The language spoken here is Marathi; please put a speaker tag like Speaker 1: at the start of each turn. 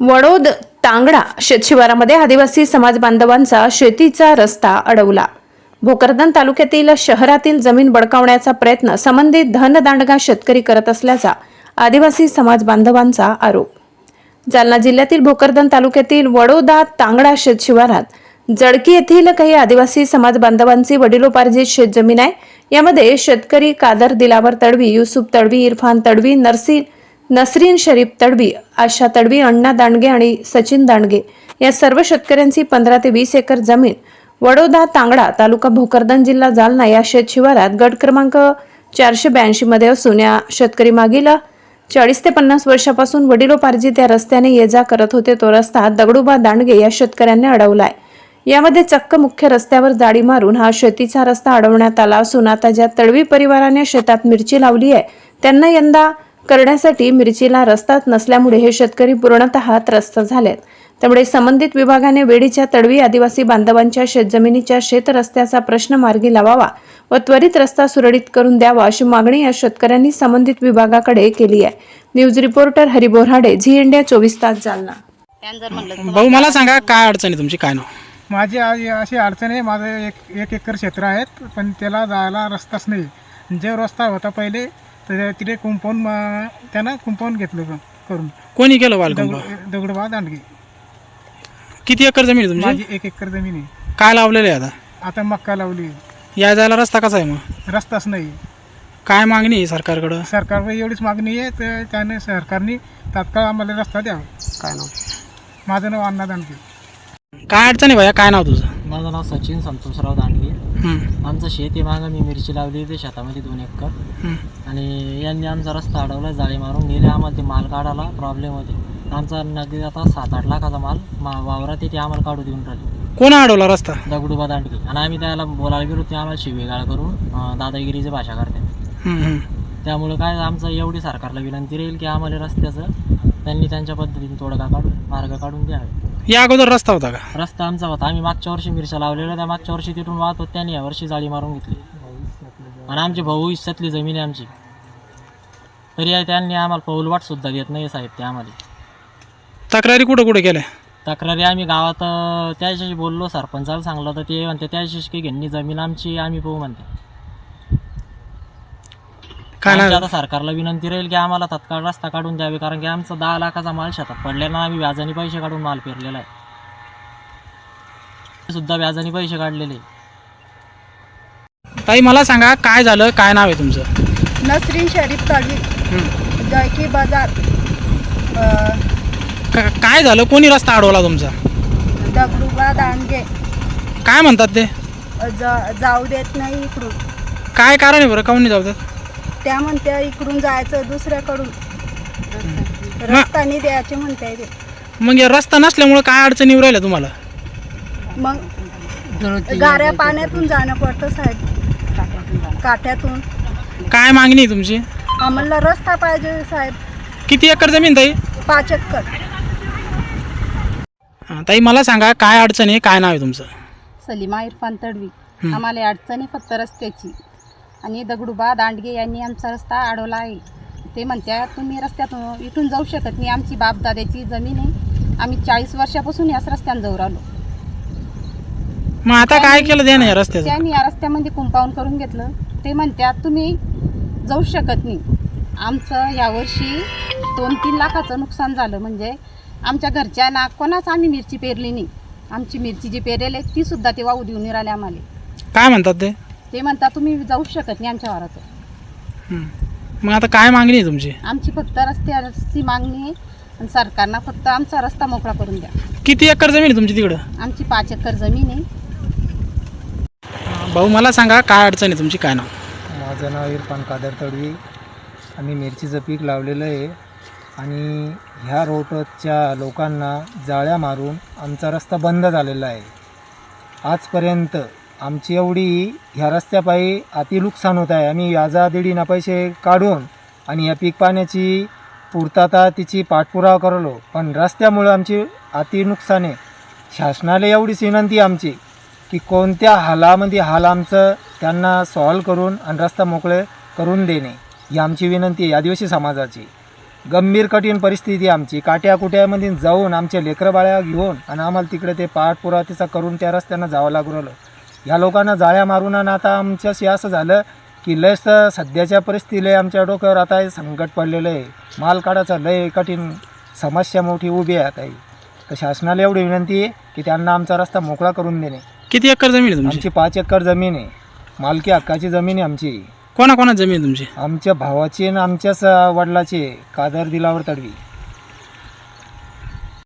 Speaker 1: वडोद तांगडा शेतशिवारामध्ये आदिवासी समाज बांधवांचा शेतीचा रस्ता अडवला। भोकरदन तालुक्यातील शहरातील जमीन बळकावण्याचा प्रयत्न संबंधित धनदांडगा शेतकरी करत असल्याचा आदिवासी समाज बांधवांचा आरोप। जालना जिल्ह्यातील भोकरदन तालुक्यातील वडोदा तांगडा शेतशिवारात जडकी येथील काही आदिवासी समाज बांधवांची वडिलोपार्जित शेतजमीन आहे। यामध्ये शेतकरी कादर दिलावर तडवी, युसुफ तडवी, इरफान तडवी, नसरीन शरीफ तडवी, आशा तडवी, अण्णा दांडगे आणि सचिन दांडगे या सर्व शेतकऱ्यांची 15 ते 20 एकर जमीन वडोदा तांगडा तालुका भोकरदन जिल्हा जालना या शेतशिवारात गट क्रमांक 482 मध्ये असून या शेतकरी मागील 40 ते 50 वर्षापासून वडिलोपार्जित या रस्त्याने ये जा करत होते। तो रस्ता दगडूबा दांडगे या शेतकऱ्यांनी अडवलाय। यामध्ये चक्क मुख्य रस्त्यावर जाळी मारून हा शेतीचा रस्ता अडवण्यात आला असून आता ज्या तडवी परिवाराने शेतात मिरची लावली आहे त्यांना यंदा करण्यासाठी मिरचीला रस्ताच नसल्यामुळे हे शेतकरी पूर्णतः त्रस्त झालेत। त्यामुळे संबंधित विभागाने वेडीच्या तडवी आदिवासी बांधवांच्या शेतजमिनीच्या शेत रस्त्याचा प्रश्न मार्गी लावावा व त्वरित रस्ता सुरळीत करून द्यावा अशी मागणी या शेतकऱ्यांनी संबंधित विभागाकडे केली आहे। News reporter Hari Borade, Zee India 24 तास जालना।
Speaker 2: भाऊ मला सांगा काय अडचण आहे तुमची, काय नाव?
Speaker 3: माझी अशी अडचण आहे, माझं एक एकर क्षेत्र आहे पण त्याला जायला रस्ताच नाही। जो रस्ता होता पहिले तर तिथे त्यानं कुंपाऊंड घेतलं करून।
Speaker 2: कोणी केलं वाल?
Speaker 3: दगडूबा दांडगे।
Speaker 2: किती एकर जमीन आहे तुमची?
Speaker 3: माझी 1 एकर जमीन आहे।
Speaker 2: काय लावलेलं आहे
Speaker 3: आता मक्का लावली।
Speaker 2: या जायला रस्ता कसा आहे मग?
Speaker 3: रस्ताच नाही।
Speaker 2: काय मागणी आहे सरकारकडे?
Speaker 3: सरकारकडे एवढीच मागणी आहे तर त्याने सरकारने तात्काळ आम्हाला रस्ता द्यावा।
Speaker 2: काय नाव?
Speaker 3: माझं नाव अण्णा दांडगे।
Speaker 2: काय अडचण आहे भैया, काय नाव तुझं?
Speaker 4: माझं नाव सचिन संतोषराव दांडगे। आमचं शेत आहे, मागं मी मिरची लावली ते शेतामध्ये 2 एकर आणि यांनी आमचा रस्ता अडवला, जाळी मारून गेले। आम्हाला ते माल काढायला प्रॉब्लेम होते। आमचा नगदी आता 7-8 लाखाचा माल वावरात ते आम्हाला काढू देऊन राहिले।
Speaker 2: कोण अडवला रस्ता?
Speaker 4: दगडूबा दांडगे। आणि आम्ही त्याला बोलायला गेलो ते आम्हाला शिवेगाळ करून दादागिरीची भाषा करतात। त्यामुळे काय आमचं एवढी सरकारला विनंती राहील की आम्हाला रस्त्याचं त्यांनी त्यांच्या पद्धतीने तोडगा काढून मार्ग काढून द्यावे।
Speaker 2: या अगोदर रस्ता होता का?
Speaker 4: रस्ता आमचा होता, आम्ही मागच्या वर्षी मिरच्या लावलेल्या, त्या मागच्या वर्षी तिथून वाहत होत, त्यांनी यावर्षी जाळी मारून घेतली। आणि आमची भाऊ हिस्सातली जमीन आहे आमची, तरी त्यांनी आम्हाला पाऊलवाट सुद्धा देत नाही साहेब। ते आम्हाला
Speaker 2: तक्रारी कुठं कुठे केल्या?
Speaker 4: तक्रारी आम्ही गावात त्याच्याशी बोललो, सरपंचाला सांगलं तर ते म्हणते त्याच्याशी काही घेणी जमीन आमची आम्ही पाहू म्हणते। आता सरकारला विनंती राहील की आम्हाला तत्काळ रस्ता काढून द्यावे, कारण की आमचा 10 लाखाचा माल शेतात पडलेला, आम्ही व्याजाने पैसे काढून माल पेरलेला आहे, सुद्धा व्याजाने पैसे काढलेले।
Speaker 2: ताई मला सांगा काय झालं, काय नाव आहे तुमचं?
Speaker 5: नसरीन शरीफ तडवी, जळकी बाजार।
Speaker 2: काय झालं, कोणी रस्ता अडवला तुमचा?
Speaker 5: दगडूबा दांडगे।
Speaker 2: काय म्हणतात ते?
Speaker 5: जाऊ देत नाही इकडून।
Speaker 2: काय कारण आहे बरं, काऊन नाही जाऊ देत?
Speaker 5: त्या म्हणते इकडून जायचं दुसऱ्याकडून, रस्ता नाही द्यायचे म्हणते ते।
Speaker 2: मग या रस्ता नसल्यामुळे काय अडचणी येऊ राहिल्या तुम्हाला?
Speaker 5: मग गाऱ्या पाण्यातून जाणं पडतं साहेब, काठ्यातून।
Speaker 2: काय मागणी आहे तुमची?
Speaker 5: आम्हाला रस्ता पाहिजे साहेब।
Speaker 2: किती एकर जमीन ताई?
Speaker 5: 5 एकर।
Speaker 2: ताई मला सांगा काय अडचण आहे, काय नाव आहे तुमचं?
Speaker 6: सलीमा इरफान तडवी। आम्हाला अडचणी फक्त रस्त्याची, आणि दगडूबा दांडगे यांनी आमचा रस्ता अडवला आहे। ते म्हणतात तुम्ही रस्त्यातून इथून जाऊ शकत नाही, आमची बापदाद्याची जमीन आहे, आम्ही 40 वर्षापासून याच रस्त्याने जाऊ राहिलो।
Speaker 2: मग आता काय केलं त्याने या रस्त्याचं?
Speaker 6: त्यांनी या रस्त्यामध्ये कुंपाऊंड करून घेतलं। ते म्हणतात तुम्ही जाऊ शकत नाही। आमचं यावर्षी 2-3 लाखाचं नुकसान झालं, म्हणजे आमच्या घरच्यांना कोणाच आम्ही मिरची पेरली नाही। आमची मिरची जी पेरेल आहे ती सुद्धा ते वाहू देऊन राहिले आम्हाला।
Speaker 2: काय म्हणतात ते?
Speaker 6: ते म्हणतात तुम्ही जाऊ शकत नाही आमच्या वारात।
Speaker 2: मग आता काय मागणी आहे तुमची?
Speaker 6: आमची फक्त रस्त्याची मागणी आहे आणि सरकारनं फक्त आमचा रस्ता मोकळा करून द्या।
Speaker 2: किती एकर जमीन आहे तुमची तिकडं?
Speaker 6: आमची 5 एकर जमीन आहे।
Speaker 2: भाऊ मला सांगा काय अडचण आहे तुमची, काय नाव?
Speaker 7: माझं नाव इरफान कादर तडवी। आम्ही मिरचीचं पीक लावलेलं आहे आणि ह्या रोडच्या लोकांना जाळ्या मारून आमचा रस्ता बंद झालेला आहे। आजपर्यंत आमची एवढी ह्या रस्त्यापायी अति नुकसान होत आहे। आम्ही व्याजादीडीना पैसे काढून आणि या पीक पाण्याची पूर्तता तिची पाठपुरावा करलो, पण रस्त्यामुळे आमची अति नुकसान आहे। शासनाला एवढीच विनंती आमची की कोणत्या हालामध्ये हाल आमचं त्यांना सॉल्व करून आणि रस्ता मोकळे करून देणे ही आमची विनंती आहे आदिवासी समाजाची। गंभीर कठीण परिस्थिती आमची. काट्याकुट्यामध्ये जाऊन आमच्या लेकरं बाळ्या घेऊन आणि आम्हाला तिकडे ते पाठपुरावा करून त्या रस्त्यानं जावं लागू राहिलं. ह्या लोकांना जाळ्या मारून आणि आता आमच्याशी असं झालं की लयच सध्याच्या परिस्थितीला आमच्या डोक्यावर आता हे संकट पडलेलं आहे. माल काढायचं लय कठीण समस्या मोठी उभी आहे आता ही. तर शासनाला एवढी विनंती आहे की त्यांना आमचा रस्ता मोकळा करून देणे.
Speaker 2: किती एकर जमीन आहे तुमची?
Speaker 7: आमची 5 एकर जमीन आहे. मालकी हक्काची जमीन आहे आमची.
Speaker 2: कोणा जमीन आहे तुमची?
Speaker 7: आमच्या भावाची आणि आमच्याच वडिलाची आहे, कादर दिलावर तडवी.